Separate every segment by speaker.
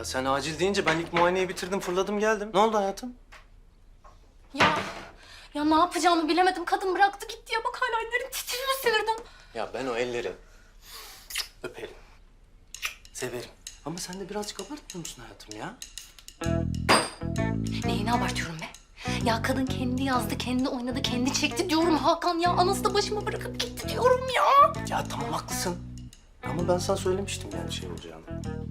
Speaker 1: Ya sen acil deyince ben ilk muayeneyi bitirdim, fırladım geldim. Ne oldu hayatım?
Speaker 2: Ya ne yapacağımı bilemedim. Kadın bıraktı gitti ya. Bak hala ellerim titriyor sinirden.
Speaker 1: Ya ben o elleri öperim, severim. Ama sen de birazcık abartmıyor musun hayatım ya?
Speaker 2: Neyini abartıyorum be? Ya kadın kendi yazdı, kendi oynadı, kendi çekti diyorum Hakan ya. Anası da başıma bırakıp gitti diyorum ya.
Speaker 1: Ya tamam haklısın. Ama ben sana söylemiştim yani şey olacağını.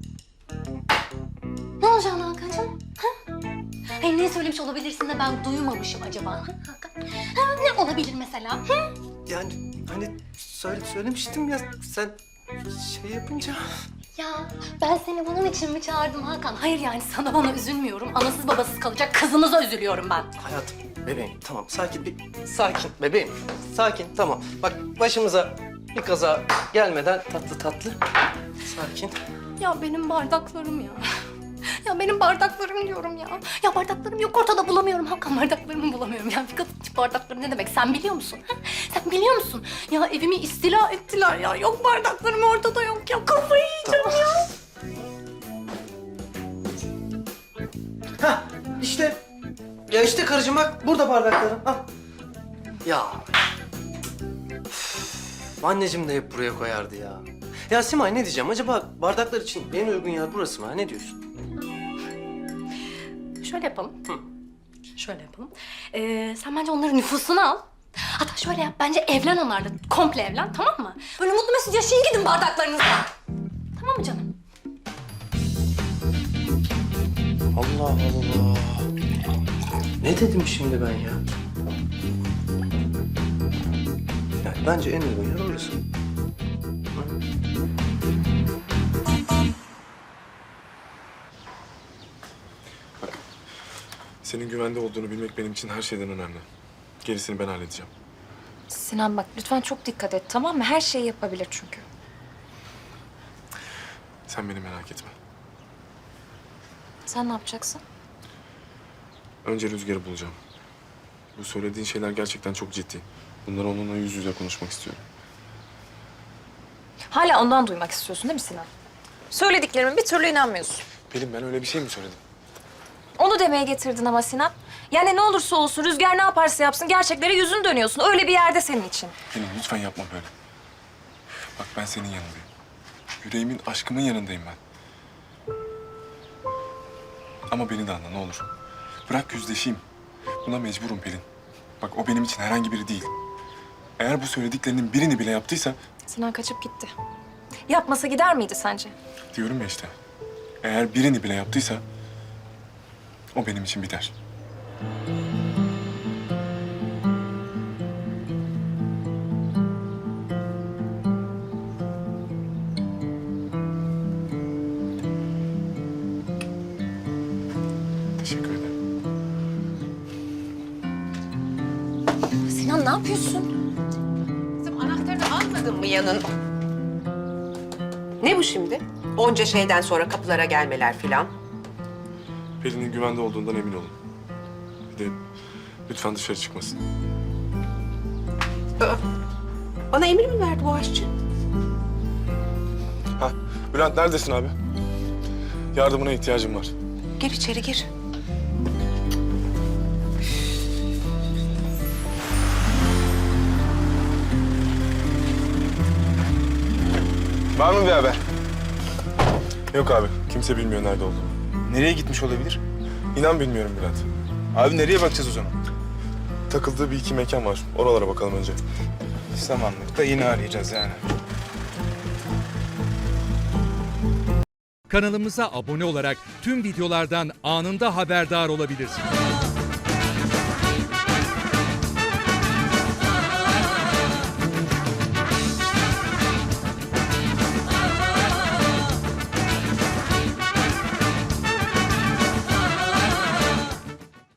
Speaker 2: Ne olacağını Hakan'cığım? Ha? Hayır ne söylemiş olabilirsin de ben duymamışım acaba? Ha, Hakan? Ha, ne olabilir mesela? Ha?
Speaker 1: Yani hani söylemiştim ya sen şey yapınca...
Speaker 2: Ya ben seni bunun için mi çağırdım Hakan? Hayır yani sana bana üzülmüyorum. Anasız babasız kalacak kızınıza üzülüyorum ben.
Speaker 1: Hayatım, bebeğim tamam sakin bebeğim. Sakin tamam. Bak başımıza bir kaza gelmeden tatlı tatlı. Sakin.
Speaker 2: Ya benim bardaklarım ya. Ya benim bardaklarım diyorum ya. Ya bardaklarım yok ortada bulamıyorum Hakan. Bardaklarımı bulamıyorum. Ya bir kadın için bardakları ne demek sen biliyor musun? Ha? Sen biliyor musun? Ya evimi istila ettiler ya. Yok bardaklarım ortada yok ya. Kafayı yiyeceğim ya.
Speaker 1: Hah işte. Ya işte karıcığım bak burada bardaklarım. Al. Ya. Üf, anneciğim de hep buraya koyardı ya. Ya Simay ne diyeceğim? Acaba bardaklar için en uygun yer burası mı? Ha? Ne diyorsun?
Speaker 2: Şöyle yapalım. Şöyle yapalım. Sen bence onların nüfusunu al. Hatta şöyle yap. Bence evlen onlarla. Komple evlen tamam mı? Böyle mutlu mesut yaşayın gidin bardaklarınızla. Tamam mı canım?
Speaker 1: Allah Allah. Ne dedim şimdi ben ya? Yani bence en uygun yer orası.
Speaker 3: Senin güvende olduğunu bilmek benim için her şeyden önemli. Gerisini ben halledeceğim.
Speaker 4: Sinan bak lütfen çok dikkat et tamam mı? Her şeyi yapabilir çünkü.
Speaker 3: Sen beni merak etme.
Speaker 4: Sen ne yapacaksın?
Speaker 3: Önce Rüzgar'ı bulacağım. Bu söylediğin şeyler gerçekten çok ciddi. Bunları onunla yüz yüze konuşmak istiyorum.
Speaker 4: Hala ondan duymak istiyorsun değil mi Sinan? Söylediklerimin bir türlü inanmıyorsun.
Speaker 3: Pelin ben öyle bir şey mi söyledim?
Speaker 4: Onu demeye getirdin ama Sinan. Yani ne olursa olsun Rüzgar ne yaparsa yapsın gerçeklere yüzün dönüyorsun. Öyle bir yerde senin için.
Speaker 3: Pelin lütfen yapma böyle. Bak ben senin yanındayım. Yüreğimin, aşkımın yanındayım ben. Ama beni de anla ne olur. Bırak yüzleşeyim. Buna mecburum Pelin. Bak o benim için herhangi biri değil. Eğer bu söylediklerinin birini bile yaptıysa...
Speaker 4: Sinan kaçıp gitti. Yapmasa gider miydi sence?
Speaker 3: Diyorum ya işte. Eğer birini bile yaptıysa... O benim için biter. Teşekkür ederim.
Speaker 4: Sinan ne yapıyorsun?
Speaker 5: Kızım anahtarını almadın mı yanın? Ne bu şimdi? Onca şeyden sonra kapılara gelmeler filan.
Speaker 3: Pelin'in güvende olduğundan emin olun. Bir de lütfen dışarı çıkmasın.
Speaker 5: Bana emir mi verdi bu aşçı?
Speaker 3: Ha, Bülent neredesin abi? Yardımına ihtiyacım var.
Speaker 5: Gir içeri gir.
Speaker 3: Var mı bir haber? Yok abi, kimse bilmiyor nerede olduğunu.
Speaker 6: Nereye gitmiş olabilir?
Speaker 3: İnan bilmiyorum Bülent.
Speaker 6: Abi nereye bakacağız o zaman?
Speaker 3: Takıldığı bir iki mekan var. Oralara bakalım önce.
Speaker 6: Samanlık'ta yine arayacağız yani.
Speaker 7: Kanalımıza abone olarak tüm videolardan anında haberdar olabilirsiniz.